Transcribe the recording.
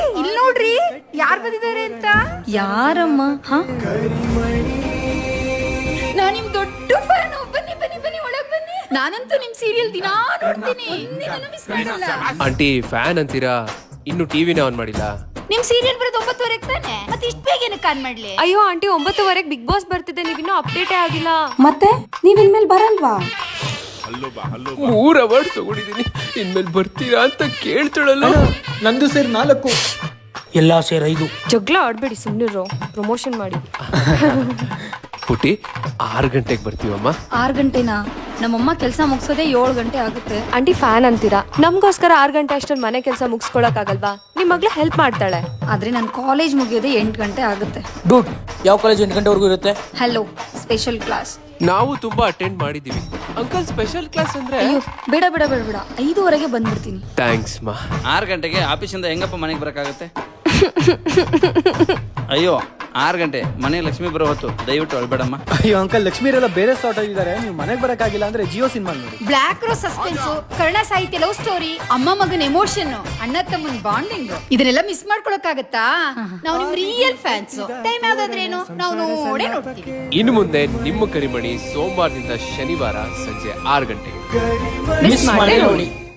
ಇಲ್ಲಿ ನೋಡ್ರಿ ಯಾರ್ ಬಂದಿದ್ದಾರೆ ಅಂತ. ಯಾರಮ್ಮ? ನಾನ್ ನಿಮ್ ದೊಡ್ಡ ಫ್ಯಾನ್. ಬನ್ನಿ ಬನ್ನಿ ಬನ್ನಿ ಒಳಗ್ ಬನ್ನಿ. ನಾನಂತೂ ನಿಮ್ ಸೀರಿಯಲ್ ದಿನಾ ನೋಡ್ತೀನಿ. ಮಿಸ್ ಮಾಡಲ್ಲ. ಆಂಟಿ ಫ್ಯಾನ್ ಅಂತೀರಾ, ಇನ್ನು ಟಿವಿನೇ ಆನ್ ಮಾಡಿಲ್ಲ. ನಿಮ್ ಸೀರಿಯಲ್ ಬರೋದು 9:30 ತಾನೆ, ಮತ್ತೆ ಇಷ್ಟ ಬೇಗ ಏನಕ್ಕೆ ಆನ್ ಮಾಡ್ಲಿ? ಅಯ್ಯೋ ಆಂಟಿ 9:00 ಬಿಗ್ ಬಾಸ್ ಬರ್ತಿದೆ, ನೀವಿನ್ನೂ ಅಪ್ಡೇಟೇ ಆಗಿಲ್ಲ. ಮತ್ತೆ ನೀವ್ ಇನ್ಮೇಲೆ ಬರಲ್ವಾ? 3 ಅವಾರ್ಡ್ಸ್ ತಗೊಂಡಿದ್ದೀನಿ, ಇನ್ಮೇಲೆ ಬರ್ತೀರಾ ಅಂತ ಕೇಳ್ತಾಳಲ್ಲ. ನಂದು ಸೇರಿ 4, ಎಲ್ಲ ಸೇರಿ 5. ಜಗಳ ಆಡ್ಬೇಡಿ, ಸುಮ್ಮನಿರೋ, ಪ್ರಮೋಷನ್ ಮಾಡಿ. ಪುಟಿ 6 ಗಂಟೆಗೆ ಬರ್ತೀವಮ್ಮ. 6 ಗಂಟೆನಾ? ನಮ್ಮಮ್ಮ ಕೆಲಸ ಮುಗಿಸೋದೇ 7 ಗಂಟೆ ಆಗುತ್ತೆ. ಆಂಟಿ ಫ್ಯಾನ್ ಅಂತೀರಾ, ನಮಗೋಸ್ಕರ 6 ಗಂಟೆ ಅಷ್ಟೊಂದು ಮನೆ ಕೆಲಸ ಮುಗಿಸ್ಕೊಳಕ್ ಆಗಲ್ವಾ? ನಿಮ್ ಮಗಳು ಹೆಲ್ಪ್ ಮಾಡ್ತಾಳೆ. ಆದ್ರೆ ನನ್ನ ಕಾಲೇಜ್ ಮುಗಿಯೋದೇ 8 ಗಂಟೆ ಆಗುತ್ತೆ. ಡೂಡ್, ಯಾವ ಕಾಲೇಜ್ 8 ಗಂಟೆವರೆಗೂ ಇರುತ್ತೆ? Hello, special class. ನಾವು ತುಂಬಾ ಅಟೆಂಡ್ ಮಾಡಿದೀವಿ ಅಂಕಲ್. ಸ್ಪೆಷಲ್ ಕ್ಲಾಸ್ ಅಂದ್ರೆ ಅಯ್ಯೋ ಬೇಡ ಬೇಡ ಬೇಡ ಬೇಡ, 5:15ಗೆ ಬಂದ್ಬಿಡ್ತೀನಿ. ಥ್ಯಾಂಕ್ಸ್ ಮಾ. 6 ಗಂಟೆಗೆ ಆಫೀಸಿಂದ ಹೆಂಗಪ್ಪ ಮನೆಗೆ ಬರೋಕ್ಕಾಗತ್ತೆ? ಅಯ್ಯೋ 6 ಗಂಟೆ ಮನೆ ಲಕ್ಷ್ಮಿ ಬರೋ ಹೊತ್ತು, ದಯವಿಟ್ಟು ಅಳ್ಬೇಡಮ್ಮ. ಅಯ್ಯೋ ಅಂಕಲ್, ಲಕ್ಷ್ಮೀರೆಲ್ಲ ಬೇರೆ ಸ್ಟಾರ್ಟ್ ಆಗಿದ್ದಾರೆ, ನೀವು ಮನೆಗೆ ಬರಕ್ಕಾಗಿಲ್ಲ ಅಂದ್ರೆ ಜಿಯೋ ಸಿನಿಮಾ ನೋಡಿ. ಬ್ಲಾಕ್ ರೋ suspense, Karna Sahitya love story, ಅಮ್ಮ ಮಗನ ಎಮೋಷನ್, ಅಣ್ಣ ತಮ್ಮನ ಬಾಂಡಿಂಗ್, ಇದನ್ನೆಲ್ಲ ಮಿಸ್ ಮಾಡ್ಕೊಳಕ್ಕಾಗತ್ತಾ? ನಾವು ನಿಮ್ ರಿಯಲ್ ಫ್ಯಾನ್ಸ್. ಟೈಮ್ ಯಾವ್ದಾದ್ರೇನು ನಾವು ನೋಡೇ ನೋಡ್ತೀವಿ. ಇನ್ನು ಮುಂದೆ ನಿಮ್ಮ ಕರಿಮಣಿ ಸೋಮವಾರದಿಂದ ಶನಿವಾರ ಸಂಜೆ 6 ಗಂಟೆಗೆ ಮಿಸ್ ಮಾಡಿ ನೋಡಿ.